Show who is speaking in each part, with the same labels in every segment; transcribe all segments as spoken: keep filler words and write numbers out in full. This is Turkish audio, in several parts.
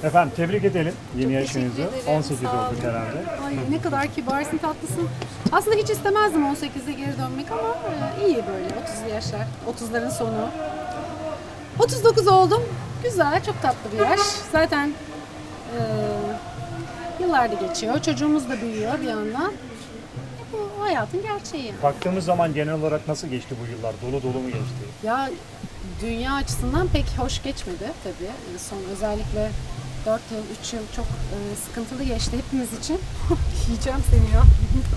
Speaker 1: Efendim tebrik edelim yeni
Speaker 2: Çok
Speaker 1: yaşınızı.
Speaker 2: teşekkür ederim,
Speaker 1: on sekiz
Speaker 2: sağ
Speaker 1: olduk
Speaker 2: olun.
Speaker 1: herhalde.
Speaker 2: Ay ne kadar kibarsın, tatlısın. Aslında hiç istemezdim on sekize geri dönmek ama e, iyi böyle otuzlu yaşlar, otuzların sonu. otuz dokuz oldum. Güzel, çok tatlı bir yaş. Zaten e, yıllar da geçiyor. Çocuğumuz da büyüyor bir yandan. Bu hayatın gerçeği. yani.
Speaker 1: Baktığımız zaman genel olarak nasıl geçti bu yıllar? Dolu dolu mu geçti?
Speaker 2: Ya dünya açısından pek hoş geçmedi tabii. E, Son özellikle dört yıl, üç yıl çok e, sıkıntılı geçti hepimiz için. Yiyeceğim seni ya.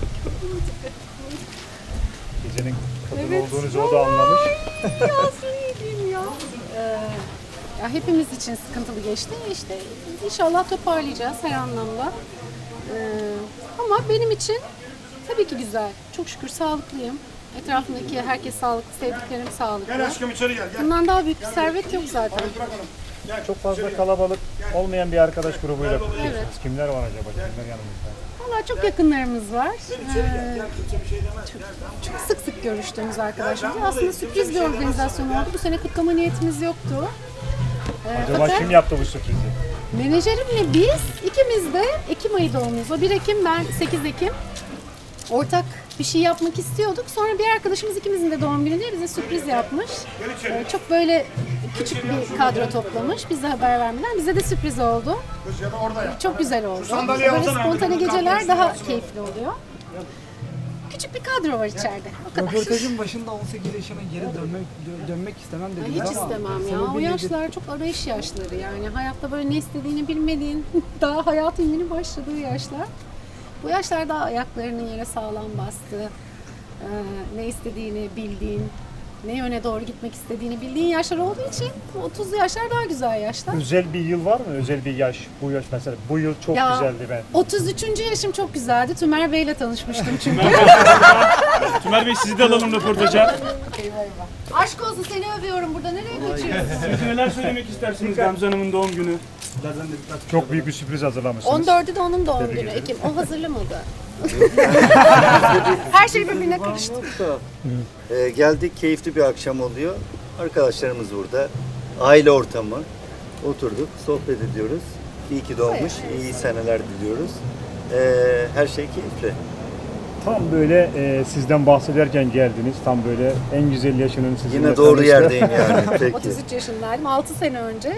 Speaker 1: Gecenin kadın
Speaker 2: Evet,
Speaker 1: olduğunuzu o da anlamış.
Speaker 2: Ya söyleyeyim ya. Ee, ya hepimiz için sıkıntılı geçti. İşte inşallah toparlayacağız her anlamda. Ee, ama benim için tabii ki güzel. Çok şükür sağlıklıyım. Etrafımdaki herkes sağlıklı, sevdiklerim sağlıklı.
Speaker 3: Gel aşkım içeri gel. Gel.
Speaker 2: Bundan daha büyük bir servet yok zaten.
Speaker 3: Bırak onu. Gel.
Speaker 1: Çok fazla kalabalık olmayan bir arkadaş grubuyla kutluyorsunuz.
Speaker 2: Evet.
Speaker 1: Kimler var acaba? Kimler yanımızda?
Speaker 2: Valla çok yakınlarımız var.
Speaker 3: İçeri gel.
Speaker 2: Ee,
Speaker 3: Gel. Kimse bir şey demez. Gel.
Speaker 2: çok sık sık görüştüğümüz arkadaşlarımız. Aslında sürpriz bir organizasyon oldu. Bu sene kutlama niyetimiz yoktu. Ee,
Speaker 1: Acaba
Speaker 2: fakat-
Speaker 1: kim yaptı bu sürprizi?
Speaker 2: Menajerimle biz ikimiz de Ekim ayı doğumluyuz. O bir Ekim, ben sekiz Ekim. Ortak bir şey yapmak istiyorduk. Sonra bir arkadaşımız ikimizin de doğum gününde bize sürpriz yapmış. Ee, çok böyle küçük bir kadro toplamış. Bize haber vermeden. Bize de sürpriz oldu.
Speaker 3: Kız ya da orada ya.
Speaker 2: Çok güzel oldu.
Speaker 3: sandalyeyi
Speaker 2: Böyle
Speaker 3: alsana.
Speaker 2: spontane geceler daha keyifli oluyor. Küçük bir kadro var içeride. O kadar.
Speaker 4: Röportajın başında on sekiz yaşına geri dönmek dö- dönmek istemem
Speaker 2: Ay,
Speaker 4: dediniz
Speaker 2: hiç
Speaker 4: ama
Speaker 2: istemem ya.
Speaker 4: sebebi
Speaker 2: O
Speaker 4: nedir?
Speaker 2: yaşlar çok arayış yaşları yani. Hayatta böyle ne istediğini bilmediğin, daha hayatın yeni başladığı yaşlar. Bu yaşlarda ayaklarının yere sağlam bastığı, e, ne istediğini bildiğin, ne yöne doğru gitmek istediğini bildiğin yaşlar olduğu için otuzlu yaşlar daha güzel yaşlar.
Speaker 1: Özel bir yıl var mı? Özel bir yaş. Bu yaş mesela. Bu yıl çok
Speaker 2: Ya,
Speaker 1: güzeldi ben.
Speaker 2: otuz üçüncü yaşım çok güzeldi. Tümer Bey'le tanışmıştım çünkü.
Speaker 5: Tümer Bey sizi de alalım röportaja.
Speaker 2: Aşk olsun, seni övüyorum burada. Nereye kaçıyorsun?
Speaker 5: Siz neler söylemek istersiniz Gamze Hanım'ın doğum günü?
Speaker 1: Çok büyük bir sürpriz hazırlamışsınız.
Speaker 2: on dördü de onun doğum günü Ekim. O hazırlamadı. Her şey birbirine karıştı.
Speaker 6: Ee, geldik, keyifli bir akşam oluyor. Arkadaşlarımız burada. Aile ortamı. Oturduk, sohbet ediyoruz. İyi ki doğmuş, iyi seneler diliyoruz. Ee, her şey keyifli.
Speaker 1: Tam böyle e, sizden bahsederken geldiniz. Tam böyle en güzel yaşının sizinle
Speaker 6: Yine doğru
Speaker 1: tanıştı.
Speaker 6: yerdeyim yani. Peki.
Speaker 2: otuz üç yaşındaydım. altı sene önce.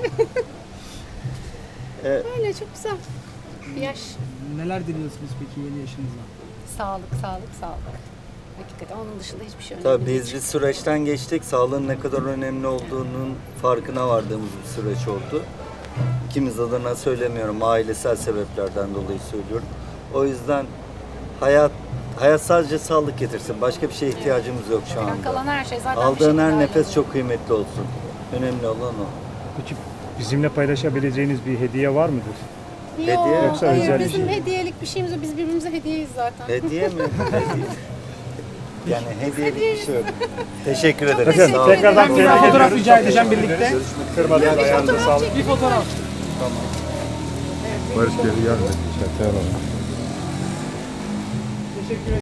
Speaker 6: Evet.
Speaker 2: Öyle çok güzel. Bir yaş.
Speaker 4: Neler diliyorsunuz peki yeni yaşınıza?
Speaker 2: Sağlık, sağlık, sağlık. Hakikaten onun dışında hiçbir şey önemli
Speaker 6: Tabii
Speaker 2: değil.
Speaker 6: biz bir süreçten geçtik. Sağlığın ne kadar önemli olduğunun farkına vardığımız bir süreç oldu. İkimiz adına söylemiyorum, ailesel sebeplerden dolayı söylüyorum. O yüzden hayat hayat sadece sağlık getirsin. Başka bir şeye ihtiyacımız yok şu
Speaker 2: Yani
Speaker 6: anda.
Speaker 2: kalan her şey zaten bir
Speaker 6: Aldığın
Speaker 2: şekilde
Speaker 6: her nefes
Speaker 2: hallolur.
Speaker 6: çok kıymetli olsun. Önemli olan o.
Speaker 1: Peki bizimle paylaşabileceğiniz bir hediye var mıdır?
Speaker 2: Yok,
Speaker 6: Hediye
Speaker 1: yoksa
Speaker 2: hayır,
Speaker 1: özel bir
Speaker 2: bizim
Speaker 1: şey?
Speaker 2: hediyelik bir şeyimiz yok. Biz birbirimize hediyeyiz zaten.
Speaker 6: Hediye mi? Hediye. Yani hediye bir şey yok. Teşekkür ederim.
Speaker 2: teşekkür
Speaker 6: Sağ olun.
Speaker 1: Tekrardan
Speaker 2: ederim.
Speaker 1: tebrik
Speaker 2: Sağ olun.
Speaker 1: ediyoruz.
Speaker 4: Fotoğraf rica
Speaker 1: Çok
Speaker 4: edeceğim
Speaker 1: teşekkür
Speaker 4: birlikte.
Speaker 1: ederiz. Kırmadınız, ayağınıza sağlık.
Speaker 4: Bir fotoğraf.
Speaker 7: Barış geri gelmedi. Çatıya alalım.
Speaker 4: Teşekkür ederim.